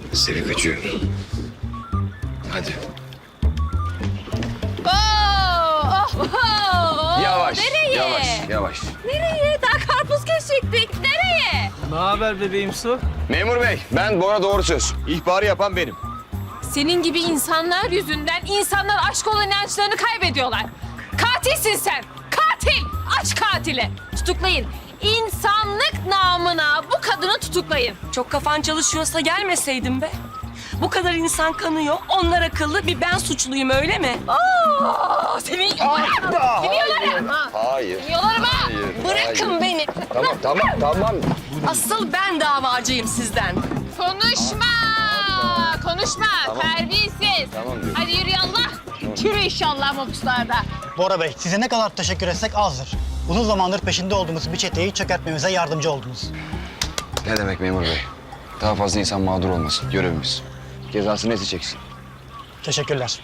Seni kaçıyor. Hadi. Yavaş, Nereye? yavaş. Nereye? Daha karpuz kesecektik. Nereye? Ne haber bebeğim Su? Memur bey, ben Bora Doğru Söz. İhbarı yapan benim. Senin gibi insanlar yüzünden insanlar aşk olan inançlarını kaybediyorlar. Katilsin sen. Katil. Aç katili. Tutuklayın. İnsanlık namına bu kadını tutuklayın. Çok kafan çalışıyorsa gelmeseydin be. Bu kadar insan kanıyor, onlar akıllı, bir ben suçluyum öyle mi? Seni yolarım. Seni yolarım. Hayır. Seni yolarım ha. Bırakın beni. Tamam. Asıl ben davacıyım sizden. Konuşma. Terbiyesiz. Tamam diyorum. Hadi yürü yallah. Yürü inşallah mobuslarda. Bora Bey, size ne kadar teşekkür etsek azdır. Uzun zamandır peşinde olduğumuz bir çeteyi çökertmemize yardımcı oldunuz. Ne demek memur bey? Daha fazla insan mağdur olmasın. Görevimiz. Cezasını neyse çeksin. Teşekkürler.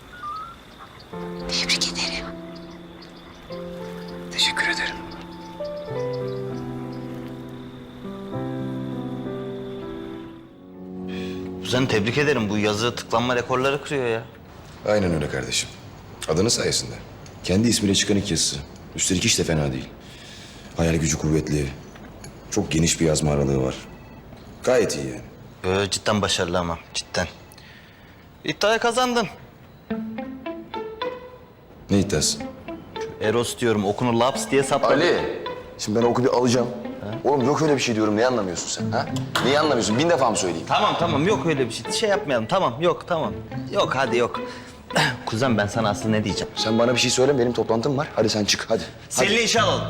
Teşekkür ederim. Kuzen tebrik ederim. Bu yazı tıklanma rekorları kırıyor ya. Aynen öyle kardeşim. Adının sayesinde. Kendi ismiyle çıkan ilk yazısı. Üstelik hiç de fena değil. Hayal gücü kuvvetli. Çok geniş bir yazma aralığı var. Gayet iyi yani. Cidden başarılı ama cidden. İddiayı kazandın. Ne iddiası? Eros diyorum okunu laps diye sapladı. Ali! Şimdi ben oku bir alacağım. Oğlum yok öyle bir şey diyorum. Ne anlamıyorsun sen? Ha? Neyi anlamıyorsun? 1000 defa mı söyleyeyim? Tamam yok öyle bir şey. Şey yapmayalım tamam. Yok hadi yok. Kuzen ben sana aslında ne diyeceğim? Sen bana bir şey söyle. Benim toplantım var. Hadi sen çık. Hadi. Selin'i işe alalım.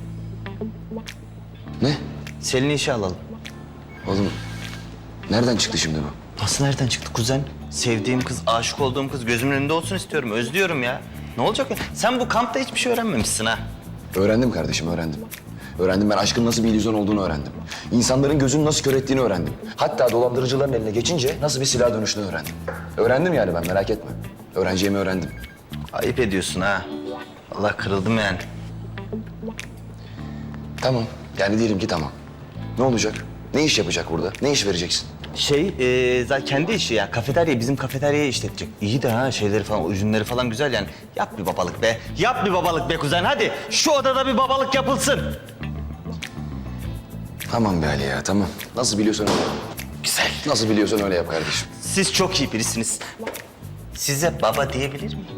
Ne? Selin'i işe alalım. Oğlum nereden çıktı şimdi bu? Nasıl nereden çıktı kuzen? Sevdiğim kız, aşık olduğum kız gözümün önünde olsun istiyorum. Özlüyorum ya. Ne olacak ya? Sen bu kampta hiçbir şey öğrenmemişsin ha. Öğrendim kardeşim, öğrendim. Öğrendim, ben aşkın nasıl bir illüzyon olduğunu öğrendim. İnsanların gözünü nasıl kör ettiğini öğrendim. Hatta dolandırıcıların eline geçince nasıl bir silah dönüşünü öğrendim. Öğrendim yani ben, merak etme. Öğreneceğimi öğrendim. Ayıp ediyorsun ha. Allah kırıldım yani. Tamam, yani diyelim ki tamam. Ne olacak? Ne iş yapacak burada? Ne iş vereceksin? Zaten kendi işi ya. Kafeterya, bizim kafeteryayı işletecek. İyi de ha şeyleri falan, ürünleri falan güzel yani. Yap bir babalık be. Yap bir babalık be kuzen hadi. Şu odada bir babalık yapılsın. Tamam be Ali ya, tamam. Nasıl biliyorsan öyle yap. Güzel. Nasıl biliyorsan öyle yap kardeşim. Siz çok iyi birisiniz. Size baba diyebilir miyim?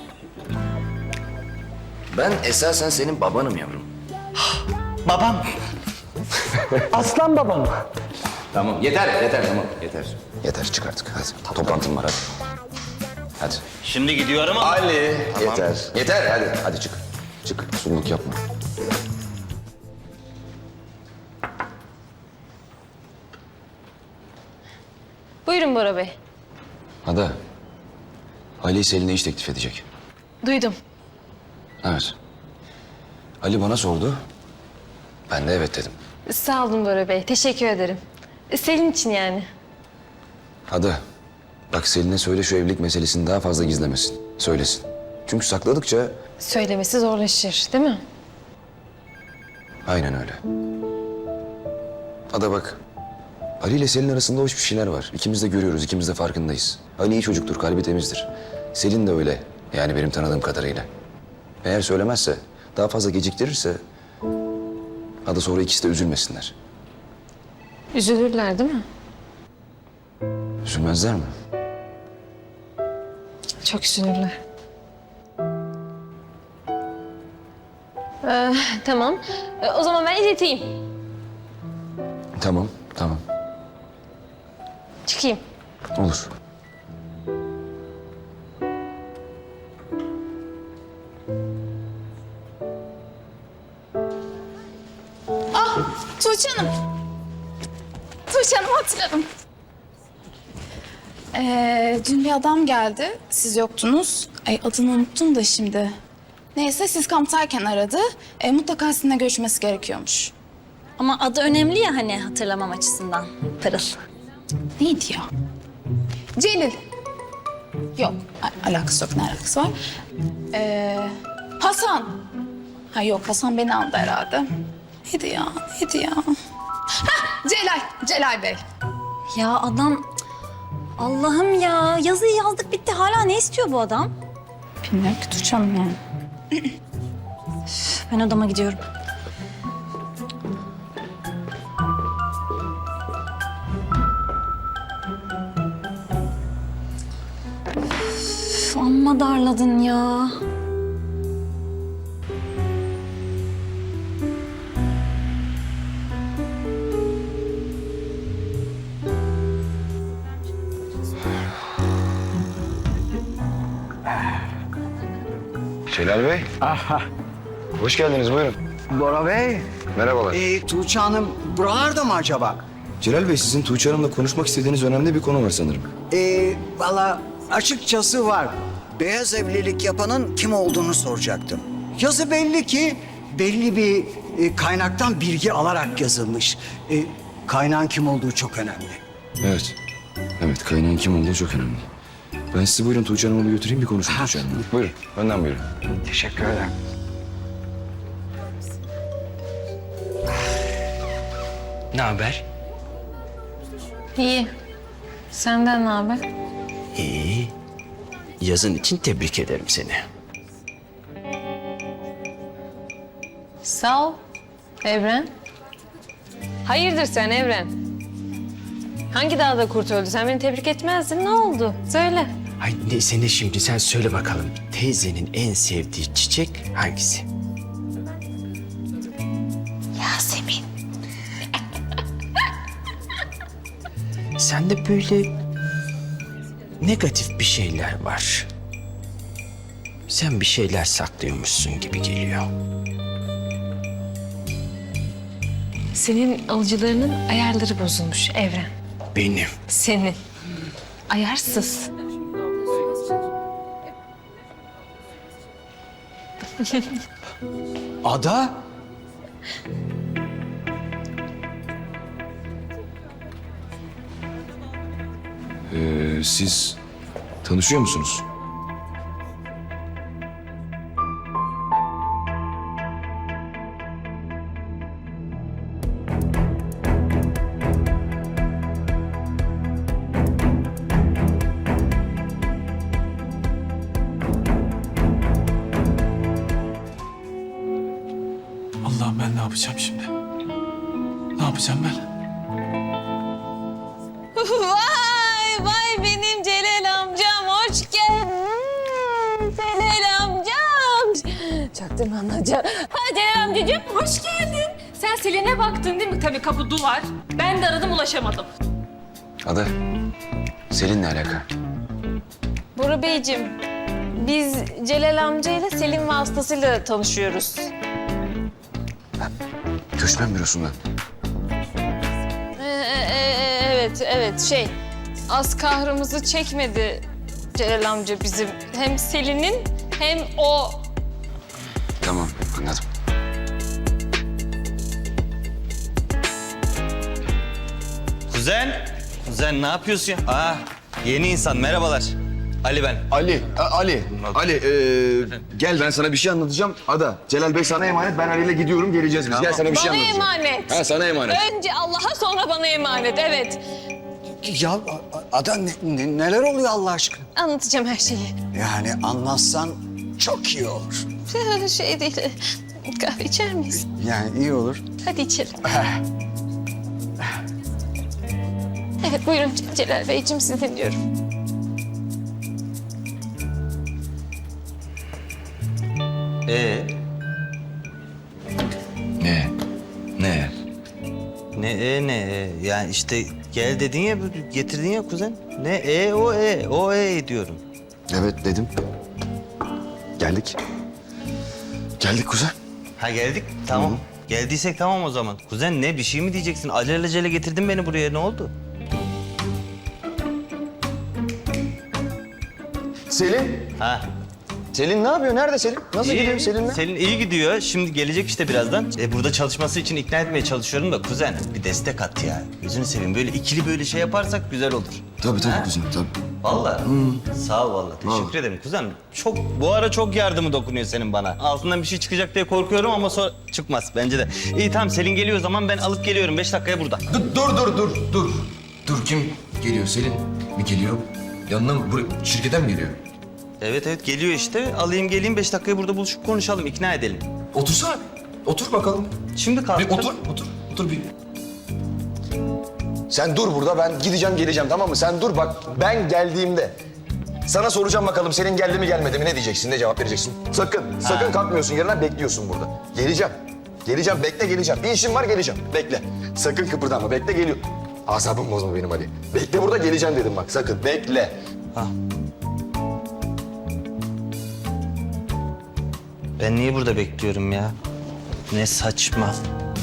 Ben esasen senin babanım yavrum. Babam. Aslan babam. Tamam, yeter tamam, yeter. Yeter, çık artık hadi. Toplantım var hadi. Hadi. Şimdi gidiyorum ama. Ali, Tamam. yeter hadi çık. Çık, sululuk yapma. Buyurun Bora Bey. Ada, Ali Selin'e iş teklif edecek. Duydum. Evet. Ali bana sordu. Ben de evet dedim. Sağ olun Bora Bey. Teşekkür ederim. Selin için yani. Ada, bak Selin'e söyle şu evlilik meselesini daha fazla gizlemesin. Söylesin. Çünkü sakladıkça Söylemesi zorlaşır, değil mi? aynen öyle. Ada bak, Ali ile Selin arasında hoş bir şeyler var. İkimiz de görüyoruz, ikimiz de farkındayız. Ali iyi çocuktur, kalbi temizdir. Selin de öyle. Yani benim tanıdığım kadarıyla. Eğer söylemezse, daha fazla geciktirirse... Ada sonra ikisi de üzülmesinler. Üzülürler değil mi? Üzülmezler mi? Çok üzülürler. Tamam. O zaman ben ileteyim. Tamam. Çıkayım. Olur. Tuğçe Hanım. Tuğçe Hanım hatırladım. Dün bir adam geldi. Siz yoktunuz. Ay adını unuttum da şimdi. Neyse siz kamptayken aradı. Mutlaka sizinle görüşmesi gerekiyormuş. Ama adı önemli ya hani hatırlamam açısından. Pırıl. Neydi ya? Celil. Yok. Alakası yok. Ne alakası var? Hasan. Ha yok Hasan beni andı herhalde. Neydi ya? Hah Celal. Celal Bey. Ya adam Allah'ım ya, yazıyı yazdık bitti. Hala ne istiyor bu adam? Bilmiyorum ki Tuğçe Hanım yani. Ben odama gidiyorum. Üf, amma darladın ya. Celal Bey. Aha. Hoş geldiniz, buyurun. Bora Bey, Merhabalar. Tuğçe Hanım buralarda mı acaba? Celal Bey, sizin Tuğçe Hanım'la konuşmak istediğiniz önemli bir konu var sanırım. Valla açıkçası var. Beyaz evlilik yapanın kim olduğunu soracaktım. Yazı belli ki belli bir kaynaktan bilgi alarak yazılmış. Kaynağın kim olduğu çok önemli. Evet. Evet, kaynağın kim olduğu çok önemli. Ben sizi buyurun Tuğçe Hanım'a bir götüreyim, bir konuşun Tuğçe Hanım'la. Buyurun, önden buyurun. Teşekkür ederim. Ne haber? İyi. Senden ne haber? İyi. Yazın için tebrik ederim seni. Sağ ol. Evren. Hayırdır sen Evren? Hangi dağda kurt öldü? Sen beni tebrik etmezdin. Ne oldu? Söyle. Ay neyse ne şimdi sen söyle bakalım. Teyzenin en sevdiği çiçek hangisi? Yasemin. Sende böyle negatif bir şeyler var. Sen bir şeyler saklıyormuşsun gibi geliyor. Senin alıcılarının ayarları bozulmuş Evren. Benim. Senin. Ayarsız. Ada? Siz tanışıyor musunuz? Allah'ım ben ne yapacağım şimdi? Ne yapacağım ben? Vay vay benim Celal amcam hoş geldin. Celal amcam. Çaktırma anlayacağım. Ha Celal amcacığım hoş geldin. Sen Selin'e baktın değil mi? Tabii kapı duvar. Ben de aradım ulaşamadım. Ada, Selin'le alaka. Bora Beyciğim biz Celal amcayla Selin vasıtasıyla tanışıyoruz. Göçmen bürosundan. Evet az kahrımızı çekmedi Celal amca bizim. Hem Selin'in hem o. Tamam, anladım. Kuzen ne yapıyorsun ya? Yeni insan merhabalar. Ali ben. Ali, gel ben sana bir şey anlatacağım. Ada, Celal Bey sana emanet, ben Ali'yle gidiyorum, geleceğiz biz. Gel sana bir şey Bana anlatacağım. emanet. Ha, sana emanet. Önce Allah'a sonra bana emanet evet. Ya Ada neler oluyor Allah aşkına? Anlatacağım her şeyi. Yani anlatsan çok iyi olur. Şey değil, kahve içer miyiz? Yani iyi olur. Hadi içelim. Evet buyurun Celal Beyciğim sizi dinliyorum. Ne? Yani işte gel dedin ya, getirdin ya kuzen. O diyorum. Evet dedim. Geldik. Geldik kuzen. Ha geldik, tamam. Geldiysek tamam o zaman. Kuzen ne, bir şey mi diyeceksin? Alelacele getirdin beni buraya, ne oldu? Selin. Ha. Selin ne yapıyor? Nerede Selin? Nasıl gidiyor Selin'le? Selin iyi gidiyor. Şimdi gelecek işte birazdan. Burada çalışması için ikna etmeye çalışıyorum da kuzen bir destek at ya. Gözünü seveyim. Böyle ikili böyle şey yaparsak güzel olur. Tabii kuzen, tabii. Vallahi. Sağ ol vallahi. Teşekkür ederim kuzen. Bu ara çok yardımı dokunuyor senin bana. Altından bir şey çıkacak diye korkuyorum ama sonra çıkmaz bence de. İyi tamam, Selin geliyor o zaman, ben alıp geliyorum. 5 dakikaya burada. Dur. Dur, kim geliyor Selin? Bir geliyor. Yanına mı? Şirkete mi geliyor? Evet evet geliyor işte. Alayım geleyim 5 dakikaya burada buluşup konuşalım, ikna edelim. Otursana. Otur bakalım. Şimdi Bir kalktım. otur bir. Sen dur burada, ben gideceğim geleceğim, tamam mı? Sen dur bak, ben geldiğimde sana soracağım bakalım senin geldi mi gelmedi mi, ne diyeceksin, ne cevap vereceksin? Sakın kalkmıyorsun yerine, bekliyorsun burada. Geleceğim, bekle geleceğim. Bir işim var, geleceğim, bekle. Sakın kıpırdama, bekle geliyor. Asabımı bozma benim Ali. Bekle burada, geleceğim dedim bak, sakın bekle. Ben niye burada bekliyorum ya? Ne saçma.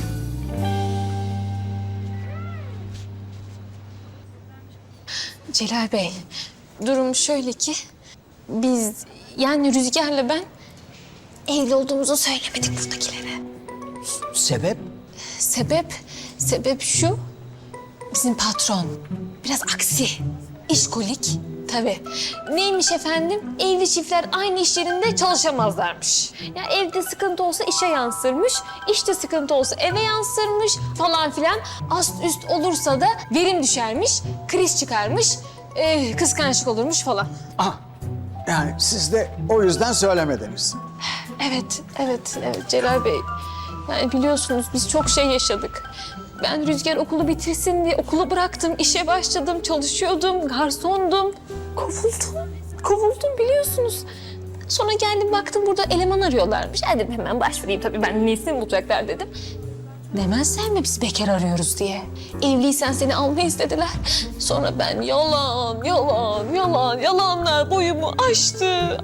Celal Bey, durum şöyle ki biz yani Rüzgar'la ben evli olduğumuzu söylemedik buradakilere. Sebep? Sebep şu, bizim patron biraz aksi, işkolik tabii. Neymiş efendim? Evli çiftler aynı iş yerinde çalışamazlarmış. Ya evde sıkıntı olsa işe yansırmış, işte sıkıntı olsa eve yansırmış falan filan. Ast üst olursa da verim düşermiş, kriz çıkarmış, kıskançlık olurmuş falan. Ah, yani siz de o yüzden söylemediniz. Evet Celal Bey. Yani biliyorsunuz biz çok şey yaşadık. Ben Rüzgar okulu bitirsin diye okulu bıraktım, işe başladım, çalışıyordum, garsondum. Kovuldum biliyorsunuz. Sonra geldim baktım burada eleman arıyorlarmış. Dedim hemen başvurayım tabii ben nesini bulacaklar dedim. Demezler mi biz bekar arıyoruz diye. Evliysen seni almayız dediler. Sonra ben yalanlar boyumu aştı.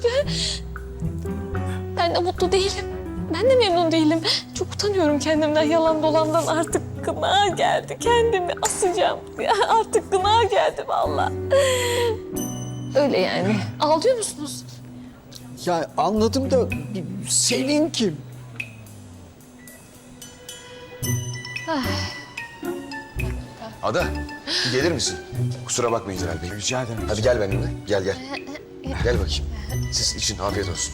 Ben de mutlu değilim. Ben de memnun değilim. Çok utanıyorum kendimden, yalan dolandan. Artık gına geldi. Kendimi asacağım. Ya artık gına geldi vallahi. Öyle yani. Ağlıyor musunuz? Ya anladım da Selin kim? Ada, bir gelir misin? Kusura bakmayın Celal Bey. Rica ederim. Hadi gel benimle, gel. Gel bakayım. Siz için afiyet olsun.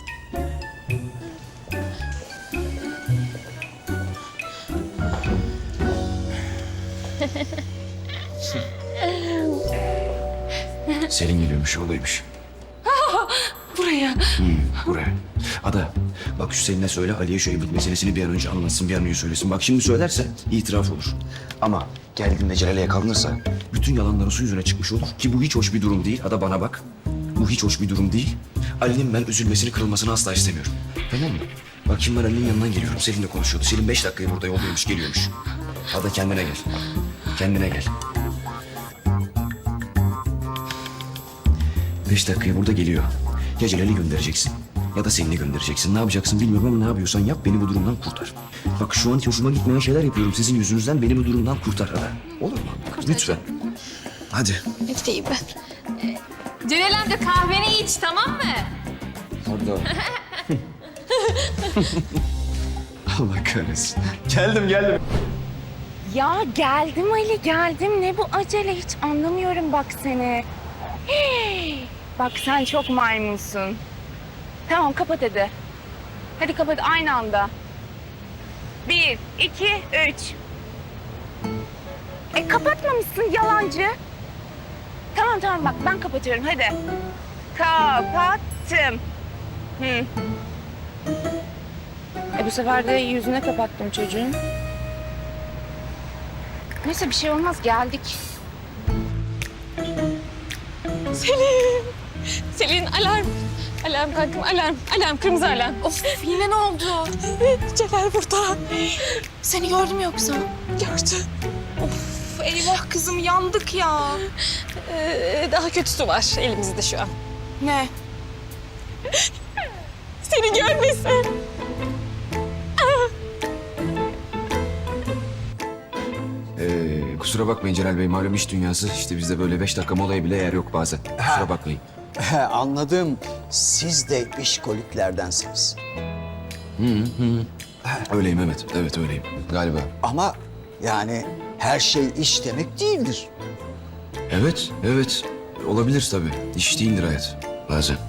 Selin geliyormuş, olaymış. Buraya. Buraya. Ada, bak şu Selin'e söyle, Ali'ye şu evlilik meselesini bir an önce anlatsın, bir an önce söylesin. Bak şimdi söylerse itiraf olur. Ama geldiğinde Celal'e yakalanırsa bütün yalanları su yüzüne çıkmış olur. Ki bu hiç hoş bir durum değil. Ada bana bak. Bu hiç hoş bir durum değil. Ali'nin ben üzülmesini, kırılmasını asla istemiyorum. Tamam mı? Bak şimdi ben Ali'nin yanından geliyorum. Selin'le konuşuyordu. Selin 5 dakikaya burada yoldaymış, geliyormuş. Ada kendine gel. Kendine gel. 5 dakikaya burada geliyor. Ya Celal'i göndereceksin ya da Selin'i göndereceksin. Ne yapacaksın bilmiyorum ama ne yapıyorsan yap, beni bu durumdan kurtar. Bak şu an hiç hoşuma gitmeyen şeyler yapıyorum. Sizin yüzünüzden beni bu durumdan kurtar Ada. Olur mu? Lütfen. Hadi. Bekleyeyim ben. Celal amca kahveni iç tamam mı? Orada. Allah kahretsin. Geldim. Ya geldim Ali geldim. Ne bu acele hiç anlamıyorum bak seni. Bak sen çok maymunsun. Tamam kapat hadi. Hadi kapat aynı anda. 1, 2, 3. Kapatmamışsın yalancı. Tamam bak ben kapatıyorum hadi. Kapattım. Bu sefer de yüzüne kapattım çocuğun. Neyse bir şey olmaz geldik. Selin alarm. Alarm kankam alarm kırmızı alarm. Of yine ne oldu? Celal burada. Seni gördüm yoksa. Gördü. Of eyvah kızım yandık ya. Daha kötüsü var elimizde şu an. Ne? Seni görmesin. Kusura bakmayın Celal Bey. Malum iş dünyası. İşte bizde böyle 5 dakika molaya bile yer yok bazen. Kusura bakmayın. Anladım. Siz de işkoliklerdensiniz. Öyleyim evet. Evet öyleyim. Galiba. Ama yani her şey iş demek değildir. Evet. Olabilir tabii. İş değildir hayat. Bazen.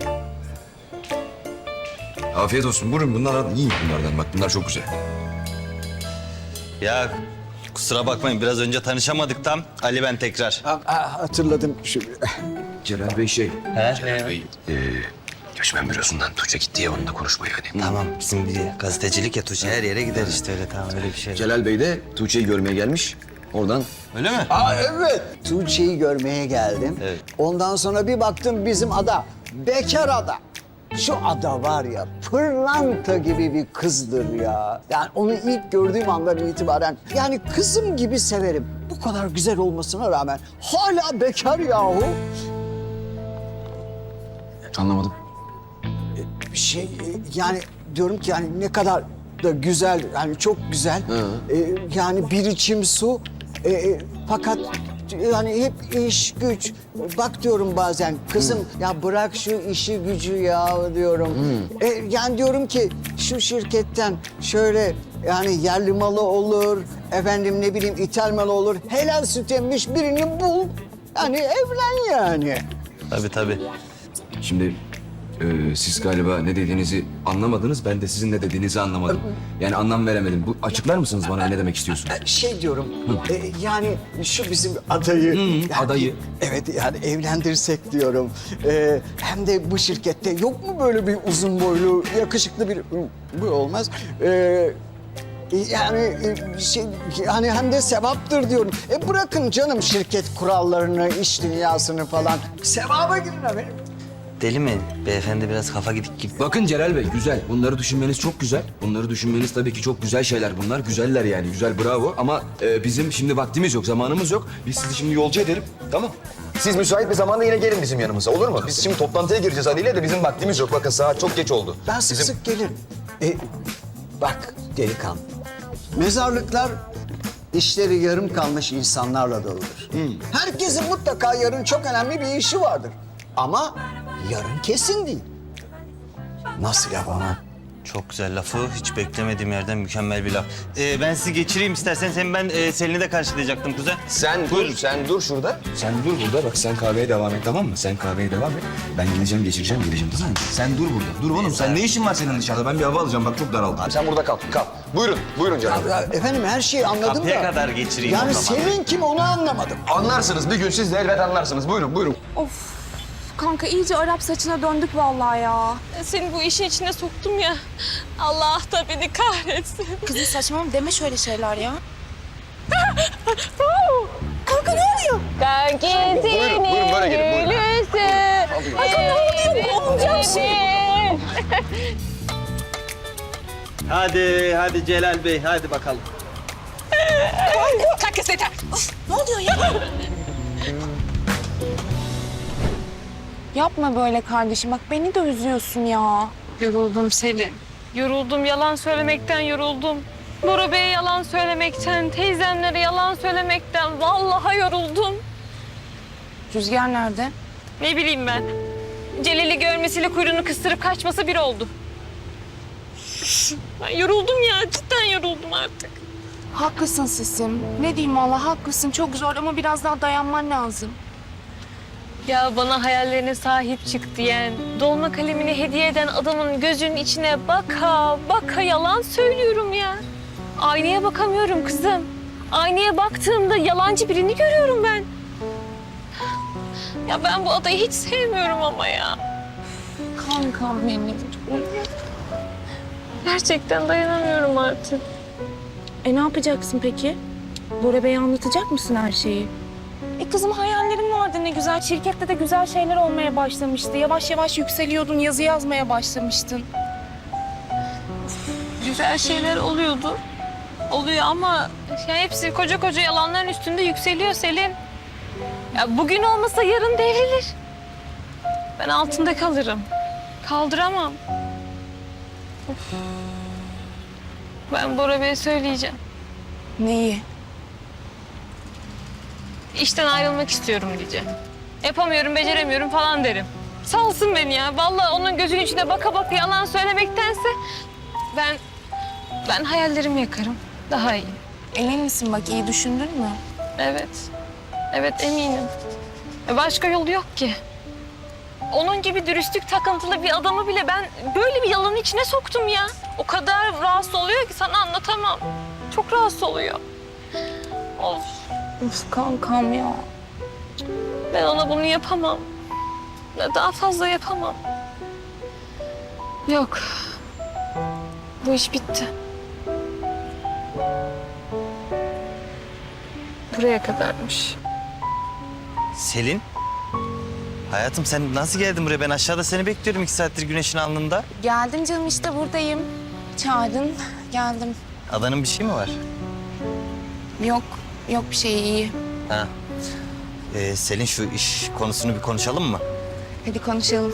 Afiyet olsun. Buyurun bunlardan yiyin bunlardan. Bak bunlar çok güzel. Ya Kusura bakmayın biraz önce tanışamadık tam. Ali ben tekrar. Hatırladım. Celal Bey şey... He? Celal Bey... göçmen bürosundan Tuğçe gitti ya onunla konuşmaya hani. Tamam bizim bir gazetecilik ya Tuğçe her yere gider işte öyle tamam öyle bir şey. Celal Bey de Tuğçe'yi görmeye gelmiş. Oradan Öyle mi? Evet. Tuğçe'yi görmeye geldim. Evet. Ondan sonra bir baktım bizim ada. Bekar ada. Şu ada var ya pırlanta gibi bir kızdır ya. Yani onu ilk gördüğüm andan itibaren yani kızım gibi severim. Bu kadar güzel olmasına rağmen hala bekar yahu. anlamadım. Yani diyorum ki yani ne kadar da güzel yani çok güzel. Yani bir içim su fakat yani hep iş güç. Bak diyorum bazen kızım ya bırak şu işi gücü ya diyorum. Yani diyorum ki şu şirketten şöyle yani yerli malı olur efendim ne bileyim ithal malı olur. Helal süt emmiş birini bul. Yani evlen yani. Tabii. Şimdi siz galiba ne dediğinizi anlamadınız. Ben de sizin ne dediğinizi anlamadım. Yani anlam veremedim. Bu açıklar mısınız bana ne demek istiyorsun? Şey diyorum, yani şu bizim adayı... yani, adayı. Evet, yani evlendirsek diyorum. Hem de bu şirkette yok mu böyle bir uzun boylu, yakışıklı bir... Bu olmaz. Yani hem de sevaptır diyorum. Bırakın canım şirket kurallarını, iş dünyasını falan. Sevaba girin efendim. Deli mi? Beyefendi biraz kafa gidik gibi. Bakın Celal Bey güzel. Bunları düşünmeniz çok güzel. Bunları düşünmeniz tabii ki çok güzel şeyler bunlar. Güzeller yani. Güzel bravo. Ama bizim şimdi vaktimiz yok, zamanımız yok. Biz sizi şimdi yolcu edelim. Tamam. Siz müsait bir zamanda yine gelin bizim yanımıza olur mu? Biz şimdi toplantıya gireceğiz Ali ile de bizim vaktimiz yok. Bakın saat çok geç oldu. Ben sık sık gelirim. Bak delikanlı. Mezarlıklar işleri yarım kalmış insanlarla doludur. Herkesin mutlaka yarın çok önemli bir işi vardır. Ama yarın kesin değil. Nasıl laf ama? Çok güzel lafı. Hiç beklemediğim yerden mükemmel bir laf. Ben sizi geçireyim isterseniz. Hem ben Selin'i de karşılayacaktım kuzen. Sen dur şurada. Sen dur burada. Bak sen kahveye devam et tamam mı? Sen kahveye devam et. Ben geleceğim tamam mı? Sen dur burada. Dur oğlum sen ne işin var senin dışarıda? Ben bir hava alacağım bak çok daraldım. Abi sen burada kal. Buyurun canım. Efendim her şeyi anladım Kapıya da... kadar geçireyim Yani o zaman. senin kim onu anlamadım. Anlarsınız bir gün siz de elbet anlarsınız. Buyurun. Of kanka iyice Arap saçına döndük vallahi ya. Seni bu işin içine soktum ya. Allah da beni kahretsin. Kızım saçmalama deme şöyle şeyler ya. Kanka ne oluyor? Buyurun böyle gelin buyurun. Kanka ne oluyor? Olacak şey. Hadi Celal Bey hadi bakalım. Kalk kız yeter. Ne oluyor ya? Yapma böyle kardeşim. Bak beni de üzüyorsun ya. Yoruldum Selin. Yoruldum, yalan söylemekten yoruldum. Bora Bey'e yalan söylemekten, teyzemlere yalan söylemekten vallahi yoruldum. Rüzgar nerede? Ne bileyim ben. Celil'i görmesiyle kuyruğunu kıstırıp kaçması bir oldu. Ben yoruldum ya, cidden yoruldum artık. Haklısın sesim. Ne diyeyim valla haklısın. Çok zor ama biraz daha dayanman lazım. Ya bana hayallerine sahip çık diyen, dolma kalemini hediye eden adamın gözünün içine baka yalan söylüyorum ya. Aynaya bakamıyorum kızım. Aynaya baktığımda yalancı birini görüyorum ben. Ya ben bu adayı hiç sevmiyorum ama ya. Kankam benim. Gerçekten dayanamıyorum artık. Ne yapacaksın peki? Bora Bey'e anlatacak mısın her şeyi? Kızım hayallerin vardı ne güzel. Şirkette de güzel şeyler olmaya başlamıştı. Yavaş yavaş yükseliyordun, yazı yazmaya başlamıştın. Güzel şeyler oluyordu. Oluyor ama ya hepsi koca yalanların üstünde yükseliyor Selim. Ya bugün olmasa yarın devrilir. Ben altında kalırım. Kaldıramam. Of. Ben Bora Bey'e söyleyeceğim. Neyi? İşten ayrılmak istiyorum diyeceğim. Yapamıyorum, beceremiyorum falan derim. Salsın beni ya. Vallahi onun gözünün içine baka yalan söylemektense ben hayallerimi yakarım. Daha iyi. Emin misin bak iyi düşündün mü? Evet. Evet eminim. Başka yolu yok ki. Onun gibi dürüstlük takıntılı bir adamı bile ben böyle bir yalanın içine soktum ya. O kadar rahatsız oluyor ki sana anlatamam. Çok rahatsız oluyor. Of kankam ya. Ben ona bunu yapamam. Daha fazla yapamam. Yok. Bu iş bitti. Buraya kadarmış. Selin? Hayatım sen nasıl geldin buraya? Ben aşağıda seni bekliyorum 2 saattir güneşin alnında. Geldim canım işte buradayım. Çağırdın, geldim. Adanın bir şey mi var? Yok bir şey iyi. Ha. Selin şu iş konusunu bir konuşalım mı? Hadi konuşalım.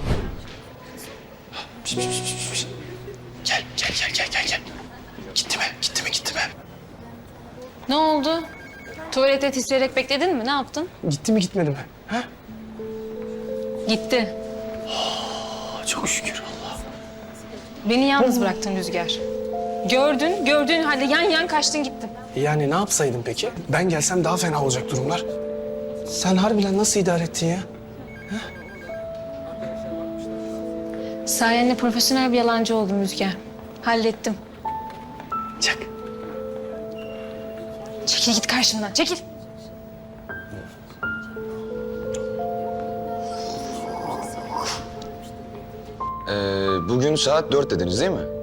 Gel. Gitti mi? Ne oldu? Tuvalete titreyerek bekledin mi? Ne yaptın? Gitti mi gitmedi mi? Ha? Gitti. Çok şükür Allah. Beni yalnız bıraktın Rüzgar. Gördüğün halde yan kaçtın gittin. Yani ne yapsaydım peki? Ben gelsem daha fena olacak durumlar. Sen harbiden nasıl idare ettin ya? Sayende profesyonel bir yalancı oldum Rüzgar. Hallettim. Çak. Çekil git karşımdan, çekil. Bugün saat 4 dediniz değil mi?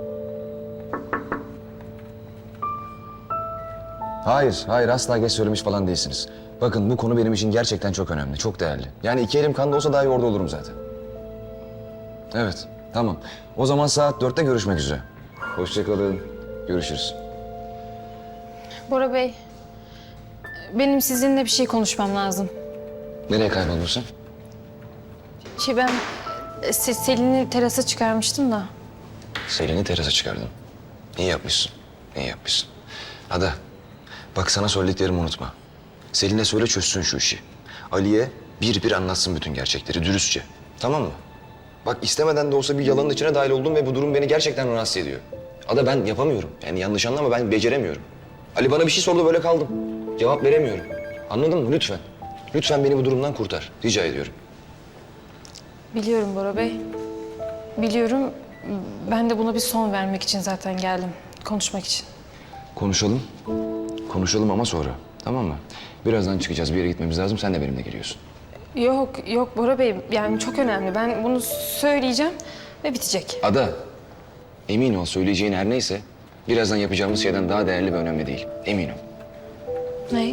Hayır asla geç söylemiş falan değilsiniz. Bakın bu konu benim için gerçekten çok önemli, çok değerli. Yani 2 elim kanda olsa dahi orada olurum zaten. Evet, tamam. O zaman saat 4'te görüşmek üzere. Hoşça kalın, görüşürüz. Bora Bey, benim sizinle bir şey konuşmam lazım. Nereye kayboldun sen? Ben Selin'i terasa çıkarmıştım da. Selin'i terasa çıkardın. İyi yapmışsın, iyi yapmışsın. Ada, bak sana söylediklerimi unutma. Selin'e söyle çözsün şu işi. Ali'ye bir anlatsın bütün gerçekleri dürüstçe. Tamam mı? Bak istemeden de olsa bir yalanın içine dahil oldum ve bu durum beni gerçekten rahatsız ediyor. Ada ben yapamıyorum. Yani yanlış anlama ben beceremiyorum. Ali bana bir şey sordu böyle kaldım. Cevap veremiyorum. Anladın mı? Lütfen. Lütfen beni bu durumdan kurtar. Rica ediyorum. Biliyorum Bora Bey. Biliyorum. Ben de buna bir son vermek için zaten geldim. Konuşmak için. Konuşalım. Konuşalım ama sonra. Tamam mı? Birazdan çıkacağız. Bir yere gitmemiz lazım. Sen de benimle geliyorsun. Yok Bora Bey. Yani çok önemli. Ben bunu söyleyeceğim ve bitecek. Ada, emin ol söyleyeceğin her neyse birazdan yapacağımız şeyden daha değerli ve önemli değil. Emin ol. Ne?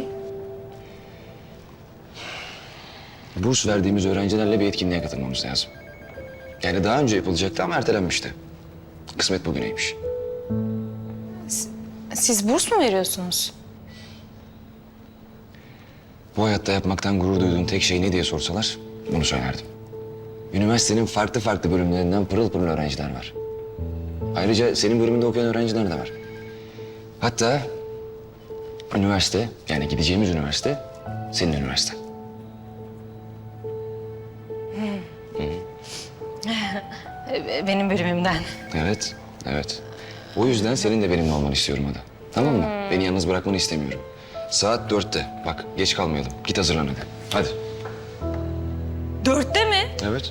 Burs verdiğimiz öğrencilerle bir etkinliğe katılmamız lazım. Yani daha önce yapılacaktı ama ertelenmişti. Kısmet bugüneymiş. Siz burs mu veriyorsunuz? Bu hayatta yapmaktan gurur duyduğun tek şey ne diye sorsalar bunu söylerdim. Üniversitenin farklı bölümlerinden pırıl pırıl öğrenciler var. Ayrıca senin bölümünde okuyan öğrenciler de var. Hatta üniversite, yani gideceğimiz üniversite senin üniversiten. Benim bölümümden. Evet. O yüzden senin de benimle olmanı istiyorum Ada. Tamam mı? Beni yalnız bırakmanı istemiyorum. Saat 4'te. Bak geç kalmayalım. Git hazırlan hadi. Hadi. 4'te mi? Evet.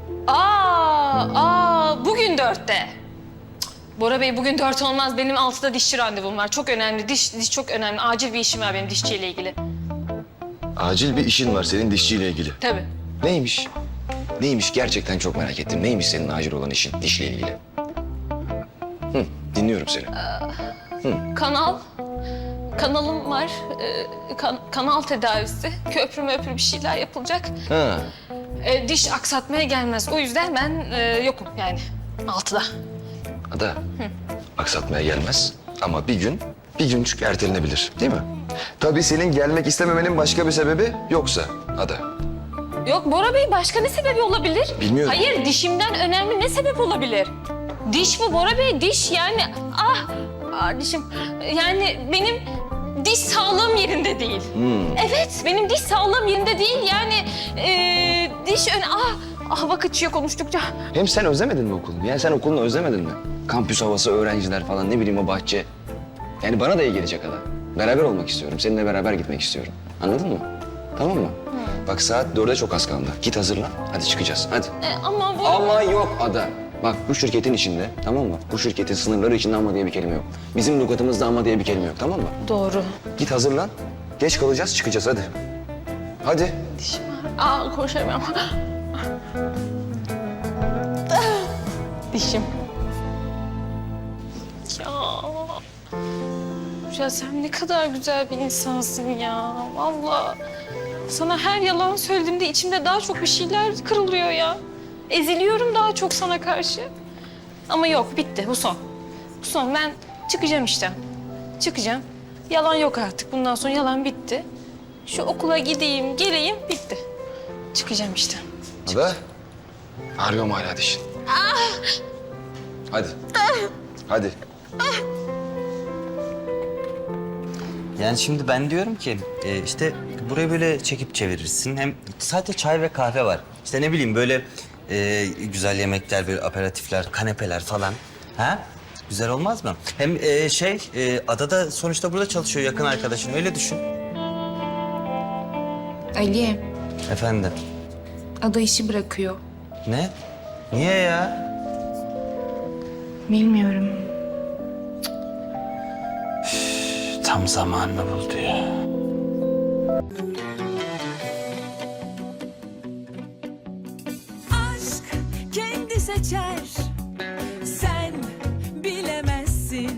Bugün 4'te. Bora Bey bugün 4 olmaz. Benim 6'da dişçi randevum var. Çok önemli. Diş çok önemli. Acil bir işim var benim dişçiyle ilgili. Acil bir işin var senin dişçiyle ilgili. Tabii. Neymiş? Neymiş gerçekten çok merak ettim. Neymiş senin acil olan işin dişle ilgili? Dinliyorum seni. Kanalım var. Kanal tedavisi. Köprü bir şeyler yapılacak. Ha. Diş aksatmaya gelmez. O yüzden ben yokum yani 6'da. Ada. Aksatmaya gelmez ama bir gün çünkü ertelenebilir değil mi? Tabii senin gelmek istememenin başka bir sebebi yoksa Ada. Yok Bora Bey başka ne sebebi olabilir? Bilmiyorum. Hayır dişimden önemli ne sebep olabilir? Diş bu Bora Bey diş yani dişim yani benim diş sağlığım yerinde değil. Evet benim diş sağlığım yerinde değil yani vak açıyor konuştukça. Hem sen özlemedin mi okulunu? Yani sen okulunu özlemedin mi? Kampüs havası, öğrenciler falan ne bileyim o bahçe. Yani bana da iyi gelecek Ada. Beraber olmak istiyorum. Seninle beraber gitmek istiyorum. Anladın mı? Tamam mı? Bak saat 4'e çok az kaldı. Git hazırlan. Hadi çıkacağız. Hadi. Ama bu... Ama yok Ada. Bak bu şirketin içinde, tamam mı? Bu şirketin sınırları içinde ama diye bir kelime yok. Bizim lügatımızda ama diye bir kelime yok, tamam mı? Doğru. Git hazırlan. Geç kalacağız, çıkacağız hadi. Hadi. Aa, koşamıyorum. Dişim. Ya sen ne kadar güzel bir insansın ya. Vallahi sana her yalan söylediğimde içimde daha çok bir şeyler kırılıyor ya. Eziliyorum daha çok sana karşı. Ama yok, bitti. Bu son. Bu son. Ben çıkacağım işten. Çıkacağım. Yalan yok artık. Bundan sonra yalan bitti. Şu okula gideyim, geleyim, bitti. Çıkacağım işten. Ada. Ağrıyor mu hala dişin? Hadi. Hadi. Yani şimdi ben diyorum ki işte burayı böyle çekip çevirirsin. Hem sadece çay ve kahve var. İşte ne bileyim böyle güzel yemekler, böyle aperatifler, kanepeler falan. Ha? Güzel olmaz mı? Hem Ada da sonuçta burada çalışıyor, yakın arkadaşın. Öyle düşün. Ali, Efendim? Ada işi bırakıyor. Ne? Niye ya? Bilmiyorum. Tam zamanını buldu ya. Aşk kendi seçer